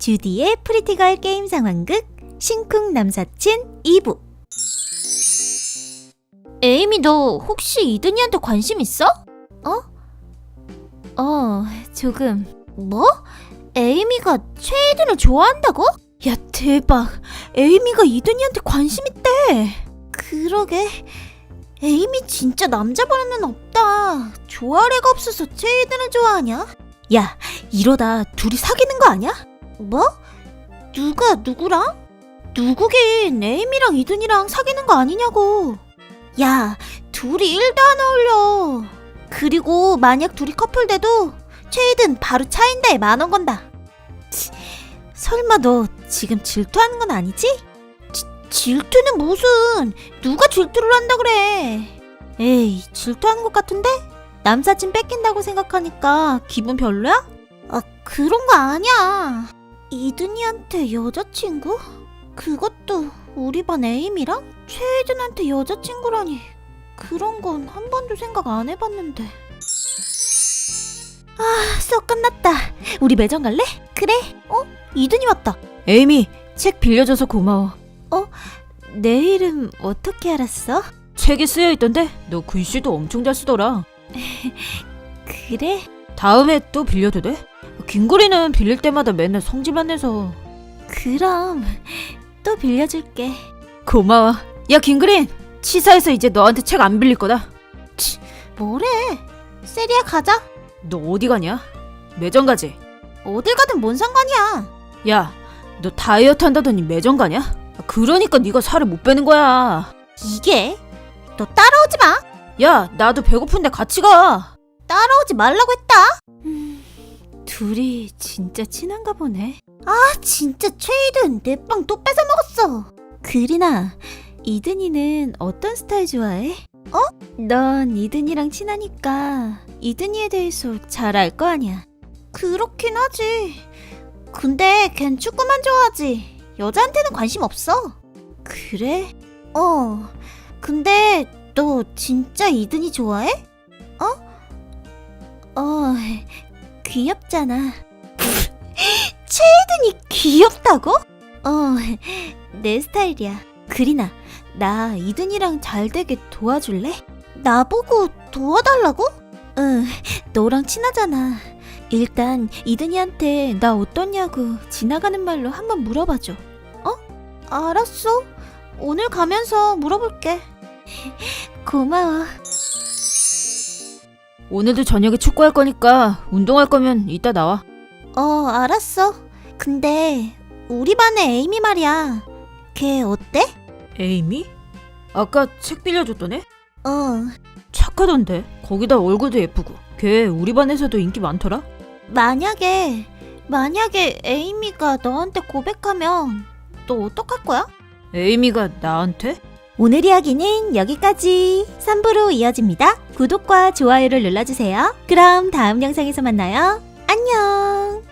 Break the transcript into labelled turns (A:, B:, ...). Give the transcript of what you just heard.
A: 주디의 프리티걸 게임 상황극 신쿵 남사친 2부. 에이미, 너 혹시 이든이한테 관심 있어? 조금. 뭐? 에이미가 최이든을 좋아한다고? 야, 대박. 에이미가 이든이한테 관심 있대. 그러게. 에이미 진짜 남자버릇은 없다. 좋아할 애가 없어서 최이든을 좋아하냐? 야, 이러다 둘이 사귀는 거 아니야? 뭐? 누가 누구랑? 누구긴 에이미랑 이든이랑 사귀는 거 아니냐고. 야, 둘이 1도 안 어울려. 그리고 만약 둘이 커플 돼도 최이든 바로 차인다에 10,000원 건다. 치, 설마 너 지금 질투하는 건 아니지? 질투는 무슨. 누가 질투를 한다 그래. 에이, 질투하는 것 같은데? 남사친 뺏긴다고 생각하니까 기분 별로야? 아, 그런 거 아니야. 이든이한테 여자친구? 그것도 우리 반 에이미랑? 최이든한테 여자친구라니. 그런 건 한 번도 생각 안 해봤는데. 아, 수업 끝났다. 우리 매점 갈래? 그래. 이든이 왔다. 에이미, 책 빌려줘서 고마워. 내 이름 어떻게 알았어? 책에 쓰여있던데 너 글씨도 엄청 잘 쓰더라. 그래? 다음에 또 빌려도 돼? 긴구리는 빌릴 때마다 맨날 성질만 내서. 그럼 또 빌려줄게. 고마워. 야, 긴그린, 치사해서 이제 너한테 책 안 빌릴 거다. 치, 뭐래. 세리야, 가자. 너 어디 가냐? 매점 가지? 어딜 가든 뭔 상관이야. 야, 너 다이어트 한다더니 매점 가냐? 그러니까 네가 살을 못 빼는 거야. 이게? 너 따라오지 마. 야, 나도 배고픈데 같이 가. 따라오지 말라고 했다. 둘이 진짜 친한가 보네. 아, 진짜 최이든 내 빵 또 뺏어 먹었어. 그리나, 이든이는 어떤 스타일 좋아해? 넌 이든이랑 친하니까 이든이에 대해서 잘 알 거 아니야. 그렇긴 하지. 근데 걘 축구만 좋아하지. 여자한테는 관심 없어. 그래? 근데 너 진짜 이든이 좋아해? 귀엽잖아. 최이든이 귀엽다고? 내 스타일이야. 그리나, 나 이든이랑 잘 되게 도와줄래? 나보고 도와달라고? 응, 너랑 친하잖아. 일단 이든이한테 나 어떠냐고 지나가는 말로 한번 물어봐줘. 알았어. 오늘 가면서 물어볼게. 고마워. 오늘도 저녁에 축구할 거니까 운동할 거면 이따 나와. 알았어. 근데 우리 반의 에이미 말이야. 걔 어때? 에이미? 아까 책 빌려줬던 애? 착하던데. 거기다 얼굴도 예쁘고. 걔 우리 반에서도 인기 많더라. 만약에 에이미가 너한테 고백하면 너 어떡할 거야? 에이미가 나한테? 오늘 이야기는 여기까지. 3부로 이어집니다. 구독과 좋아요를 눌러주세요. 그럼 다음 영상에서 만나요. 안녕.